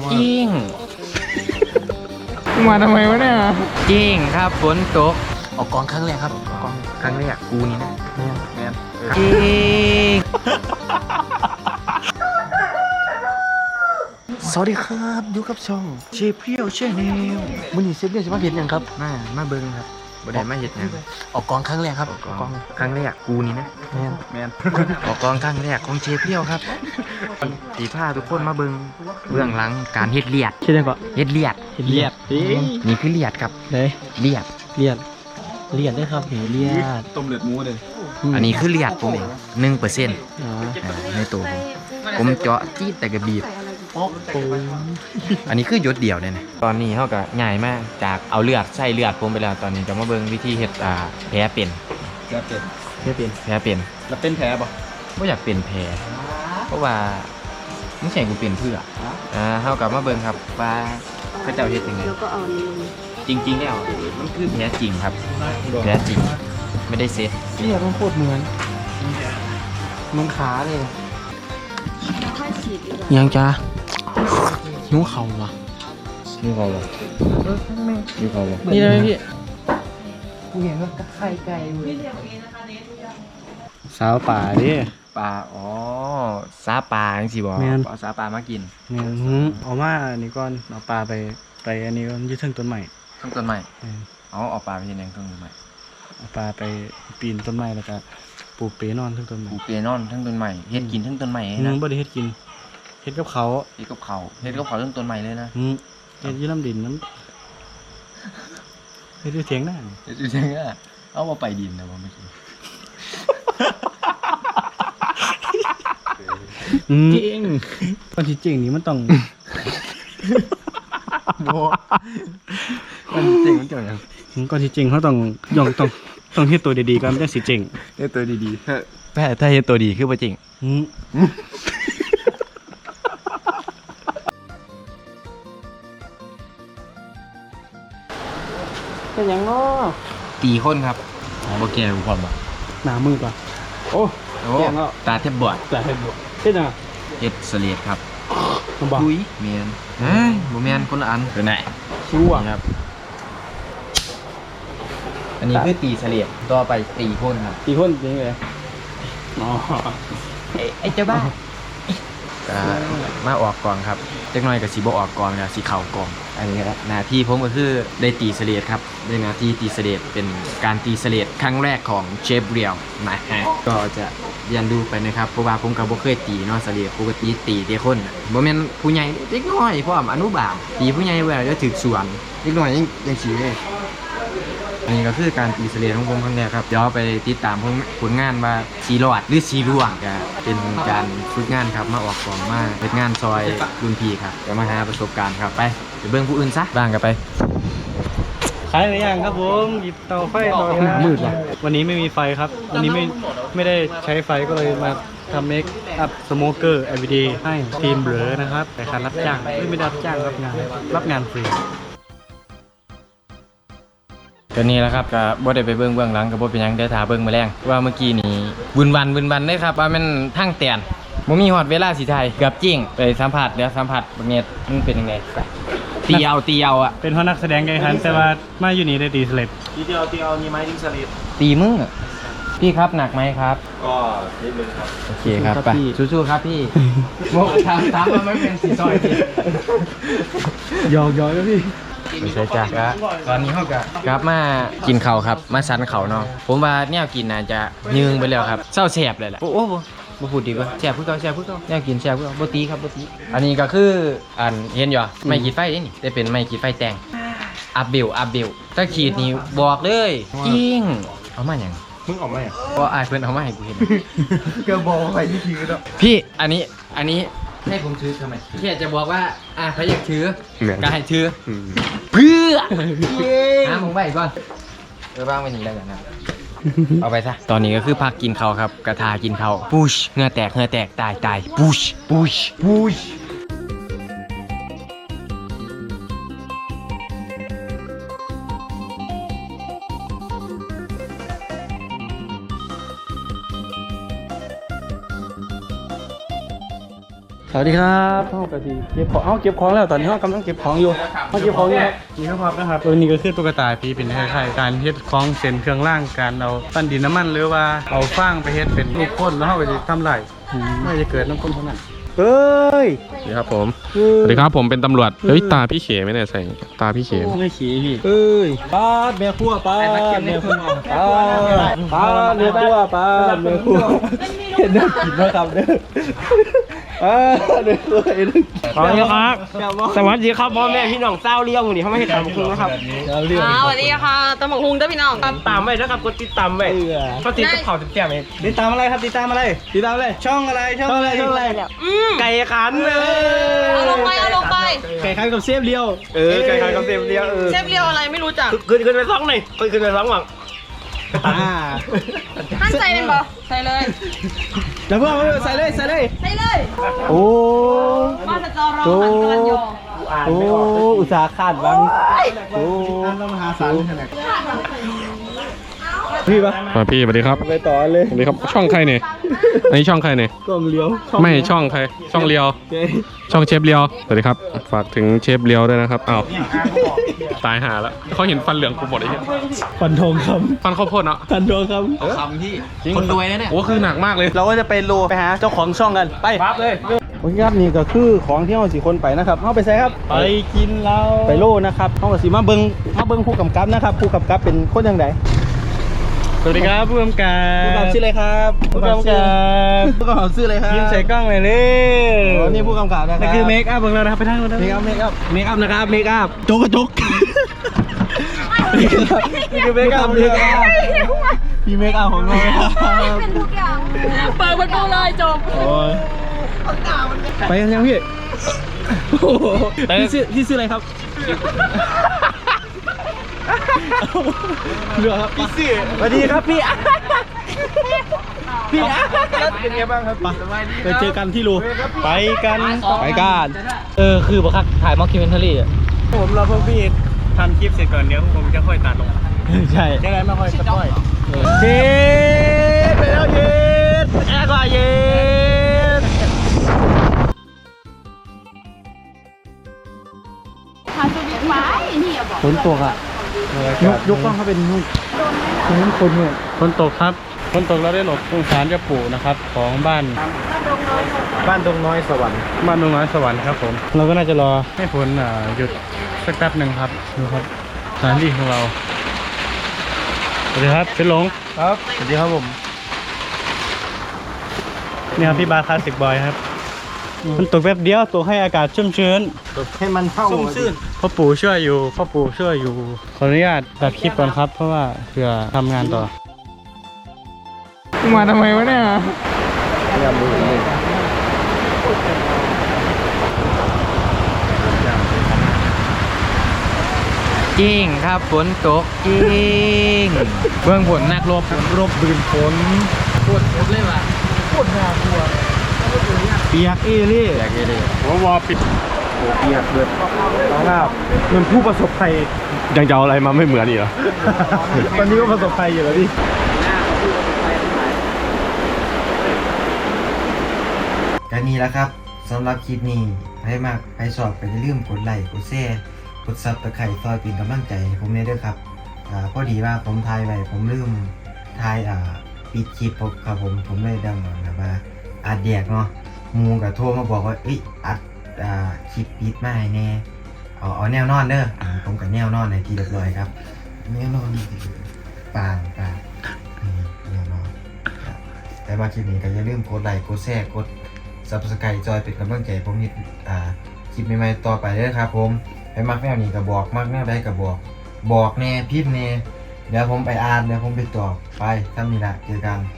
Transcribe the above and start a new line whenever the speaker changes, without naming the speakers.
จริง
มาทำไมวะเนี่ย
จริงครับฝนตกออกกองครั้งแรกครับออกกองครั้งแรกกูนี่นะแม่จริง
สวัสดีครับอยู่กับช่องเชฟเพียวแชนแนลมื้อนี้เชฟเพียวจะมาเห็นยังครับ
มาเบิ้งครับบ่ได้มาเฮ็ดหยังออกกองครั้งแรกครับออกกองครั้งแรกกูนี่นะ
แม่น
ออกกองครั้งแรกของเชฟเพียวครับสีผ้าทุกคนมาเบิ้งเบื้องหลังการเฮ็ดเลียด
คิดยังก่อน
เฮ็ดเลียด
เลียด
นี่คือเลียดครับ
เลย
เลียด
เลียดได้ครับเลียด
ต้มเลือดหมูเลย
อันนี้คือเลียดผมเอง1%
อ๋อ
ในตัวผมเจาะจี๊ดแต่กระบีบ
โอ้โห
อันนี้คือหยดเดียวเลยนะตอนนี้เขาก็ง่ายมากจากเอาเลือดใส่เลือดผมไปแล้วตอนนี้จะมาเบิ่งวิธีเฮ็ดแผลเป็น
แผลเป็น
แผลเป็น
แล้วเป็นแผลป่ะ
ไม่อยากเป็นแผลเพราะว่ามึงใส่กูเป็นเพื่อเขากลับมาเบิ่งครับว่าเขาเจ้าเฮ็ดยังไง
แล้วก็เอานี่ลง
จริงๆแล้วมันคือแผลจริงครับแผลจริงไม่ได้เซ็ต
เลียดมันโคตรเหมือนขาเลย
ค่อยฉีดดีกว่า
ยังจ้าหิวเข่าว่ะ
นี่เขาบอกนี่เขาบอก
นี่ได้ไหมพี่กูเห็นว่าไข่ไก่สาวป่าดิ
ปลาอ๋อซาปลาจังสิบ่
แม่น
เอาซาปลามากิน
เนี่ยเอามาอันนี้ก่อนเอาปลาไปอันนี้ก่อนยึดถึงต้นใหม่
ทั้งต้นไม้เอาปลาไปเฮ็ดหยังทั้งต้นไม้
เอาปลาไปปีนต้นไม้แล้วก็ปลูกเปนอนทั้งต้นไม้
ปลูกเปียนอนทั้งต้นไม้เฮ็ดกินทั้งต้นไม้เลย
นึ
นะ
งบ่ได้เฮ็ดกินเฮ็ดกับเขา
เฮ็ดกับเขาเฮ็ดกับเขาทั้งต้นไม้เลยนะ
เฮ็ดอยืดน้ำดินน้ำเฮ็ดอยู่เถียงหน้า
เฮ็ดจริงๆอ่ะเอามาไปดินนะว่าไม่กิน
จริงคนที่จริงนี่มันต้อง
โบมันจริงมันเกี่ยวยัง
ก่อนที่จริงเขาต้องต้องเฮ็ดตัวดีๆก่อนมันจะสิเจ๋ง
เฮ็ดตัวดีๆถ้าเฮ็ดตัวดีคือบ่จริง
เป็นหยังเนาะ
ตีคนครับบ่แก่กูพร้อมบ่
หนามือป่ะโอ้
โอ้
แก่แล้ว
ตาแทบบอด
แต่เฮ็ดบ่เฮ็ดจังอ่ะ
เฮ็ดสเลดครับ
มันบ่
อุ้ยแม่นเฮ้ยบ่แม่นคนละอันคือไหน
ชั่ว
ครับอันนี้คือตีสเลดต่อไปตีคนครับ
กี่คนจริงเลยอ๋อ
ไอ้เจ้าบ้ามาออกกองครับจักหน่อยกับสีบออกกองนะสีเข่ากองอันนี้ครับหน้าที่ผมก็คือได้ตีเสลดครับได้หน้าที่ตีเสลดเป็นการตีเสลดครั้งแรกของเชฟเรียวนะฮะก็จะเรียนรู้ไปนะครับเพราะว่าผมก็บ่เคยตีเนาะเสลดปกติตีแต่คนน่ะบ่แม่นผู้ใหญ่เด็กน้อยพร้อมอนุบาลตีผู้ใหญ่ไว้แล้วถึกสวนเด็กน้อยยังสิเลยอันนี้ก็คือการตีเสลดของผมครั้งแรกครับเดี๋ยวไปติดตามผลงานว่าสีรอดหรือสีร่วงก็เป็นการฝึกงานครับมาออกกองมาเป็นงานซอยรุ่นพี่ครับเดี๋ยวมาหาประสบการณ์ครับไปเบิ่งผู้อื่นซะบ้างกันไป
ขายหรือยังครับผมหยิบเตาไฟต่อมืดว่ะวันนี้ไม่มีไฟครับวันนี้ไม่ได้ใช้ไฟก็เลยมาทำเมคอัพสโมเกอร์ everyday ให้ทีมเบลอนะครับแต่การรับจ้างไม่ได้รับจ้างรับงานฟรี
ก็นี่แหละครับก็บ่ได้ไปเบื้องหลังก็บ่เป็นหยังได้ถ่าเบิ่งมาแรงว่าเมื่อกี้นี่วุ่นวันได้ครับว่ามันทั้งแตนบ่มีฮอดเวลาสิไทยเกือบจริงไปสัมผัสเดี๋ยวสัมผัสบักเน็ตมันเป็นยังไงไปตีเอาอ่ะ
เป็นเพราะนักแสดงไงครับแต่ว่ามาอยู่นี่ได้ตีสเลป
ทีเดียวนี่ไม้ดิ้งสลิด
ตีมึงอะพี่ครับหนักไหมครับ
ก็นิดนึงครับ
โอเคครับไปสู้ๆครับพี่โมถามว่าไม่เป็นสีซอยพี่
หยอกแล้วพี่
ไม่ใช่จ้ะก็ตอนนี้เขาก็กลับมากินข้าวครับมาซันเขาเนาะผมว่าแนวกินน่าจะยืงไปแล้วครับเศร้าแสบเลยแหละโอ้บ่พูดดีกว่าแสบเพื่อเขาแนวกินแสบเพื่อบ่ตีครับบ่ตีอันนี้ก็คืออันเห็นอยู่ไม่ขีดไฟนี่แต่เป็นไม่ขีดไฟแตงอัพเบลถ้าขีดนี่บอกเลยจริงเอามาอย่าง
มึงออกมาอ่ะ
ก็อายเพื่อนเอามาให้กูเห็น
ก็บอกไปที่ทีแล้ว
พี่อันนี้ให้ผมถือทำไมแค่จะบอกว่าถ้าอยากถือก็ให้ถือเพื่อผมไปก่อนบ้างไปนี่แล้วกันนะเอาไปซะตอนนี้ก็คือพักกินข้าวครับกระทากินข้าวพุชเหงื่อแตกตายพุช
สวัสดีครับห้องกะทิเก็บของเก็บของแล้วตอนนี้ห้องกำลังเก็บของอยู่ห้องเก็บของอยู่ครับนี่ครับนะครับตัวนี้ก็คือตุ๊กตาพี่เป็นคล้ายๆการเฮ็ดของเส้นเครื่องล่างการเอาปั้นดินน้ำมันหรือว่าเอาฟางไปเฮ็ดเป็นลูกพ่นแล้วเอาไปทำไรไม่จะเกิดน้ำพ่นเท่านั้นเฮ้ย
สวัสดีครับผมสวัสดีครับผมเป็นตำรวจเฮ้ยตาพี่เขไม่ได้ใส่ตาพี่เข
ไม่ขี่พี่เอ้ยป้าดแม่ครัวป้าดแม่ครัวป้าดแม่ครัวป้าดแม่ครัวเห็นน่ากินมากครับเด้อแม่ครัวเห็น
สวัสดีครับสวัสดีครับพ่อแม่พี่น้องเศร้าเลี้ยงวันนี้เขาไม่ให้ตามคุณนะครับ
สวัสดีค่ะตำบักหุ่งเด้อพี่น้อง
ตามไว้นะครับกดติดตามไว้เขาติดกับเขาติดแจ่มเอง
ติดตามอะไรครับติดตามอะไรติดตามอะไรช่องอะไรช่องอะไรช่องอะไร
ไก่ขันเลย
เอาลงไปเอาลงไป
ไก่คันกับเซฟเลียว
ไก่ขันกับเซฟเลี้ยง
เชฟเรียวอะไรไม่รู้จัก
ขึ้นไปร้องหน่อยขึ้นไปร้องหวัง
ท่านใส่เป็นบ่ใส่เลย
แล้วเพื่อนใส่เลยใส่เลย
ใส่เลย
โอ้
มาสจอรอหันกลันยอ
โอ้อุตสาห์ขาดบังโอ้ต้องมหาศาลพี่ปะ
มาพี่สวัสดีครับ
ไปต่อเลย
สวัสดีครับช่องใครเนี่ยอันนี้ช่องใครเนี่ย
กล้องเลี้ยว
ไม่ช่องใครช่องเลียวช่องเชฟเลียวสวัสดีครับฝากถึงเชฟเลียวด้วยนะครับอ้าวตายหาแล้วเขาเห็นฟันเหลืองกูหมดไอ้เหี้ย
ฟันทองค
ฟันข้าวโพดเนาะ
ำฟันทองค
คำที่คนรวยนะเนี่ย
โอ้คือหนักมากเลย
ำเราก็จะไปโลไปหาเจ้าของช่องกันไปปั๊บเลยโอเคครับนี่ก็คือของที่เราสี่คนไปนะครับเข้าไปใส่ครับไปกินเราไปโลนะครับเข้ากับสีมาเบิงผู้กำกับนะครับผู้กำกับเป็นคนยังไงสวัสดีครับผู้กำกับผู้กำกับชื่ออะไรครับผู้กำกับผู้กำกับชื่ออะไรครับยิ้มใส่กล้องเลยเลยนี่ผู้กำกับนะครับนี่คือเมคอัพของเรานะครับไปทางนู้นเมคอัพนะครับเมคอัพโจ๊กกระจกนี่คือเมคอัพพี่เมคอัพของเราครับ
เป็นทุกอย่างเปิดประตูเลยจบ
โอ้ยไปกันยังพี่โอ้โหพี่ชื่ออะไรครับเรือครับพี่ชื่อสวัสดีครับพี่เป็นไงบ้างครับไปเจอกันที่รูไปกันคือบักคักถ่ายม็อกคิวเมนทารี่อ่ะผมรอพวกพี่ทำคลิปเสร็จก่อนเดี๋ยวผมจะค่อยตัดลงใช่ยังไงไม่ค่อยตัดค่อยเย็ดไปแล้วเย็ดแอร์ก็เย็ด
พาสวิตไว้นี่อย่าบอก
ฝนตกอ่ะยกกล้องเขาเป็นนู่นคนเนี่ยฝนตกครับฝนตกเราได้หลบสงสารเจ้าปู่นะครับของบ้านดงน้อยสวรรค์ครับผมเราก็น่าจะรอให้ฝนหยุดสักแป๊บหนึ่งครับดูครับสถานที่ของเราสวัสดีครับเป็นหลงครับสวัสดีครับผมนี่ครับพี่บาคลาสสิกบอยครับมันตกแป๊บเดียวตกให้อากาศชุ่มชื้นให้มันเข้าชุ่มชื้นพ่อปู่ช่วยอยู่ขออนุญาตตัดคลิปก่อนครับเพราะว่าเพื่อทำงานต่อมาทำไมวะเนี่ย
จริงครับฝนตกจริงเบื้องผลนักรบบืนฝนพูดเลยว่ะ
เปียกเอเล่
อยากเลย
วอปิด
เปียกเดือดน้องอาบเหมือนผู้ประสบภัย
ยังจะเอาอะไรมาไม่เหมือนอีกเหรอ
ตอนนี้ก็ประสบภัยอยู่แล้วพี่ก็นี่แหละครับสำหรับคลิปนี้ให้มากให้ชอบก็อย่าลืมกดไลค์กดแชร์กดซับตะไคร่ซอยเป็นกำลังใจให้ผมด้วยครับพอดีว่าผมถ่ายไว้ผมลืมถ่ายปิดคลิปครับผมเลยดังแบบว่าอัดแดกเนาะมูกับโทรมาบอกว่าอัดคลิปปิดมาให้แน่เอาแนวนอนเด้อผมกับแนวนอนในที่เรียบร้อยครับแนวนอนปางแนวนอนแต่มาคลิปนี้ก็อย่าลืมกดไลค์กดแชร์กดSubscribe จอยเป็นกำลังใจผมมีคลิปใหม่ๆต่อไปเด้อครับผมให้มักแนวนี้ก็บอกมักแนวใดก็บอกแน่พิมพ์แน่เดี๋ยวผมไปอ่านเดี๋ยวผมไปตอบไปทำนี่ละเจอกัน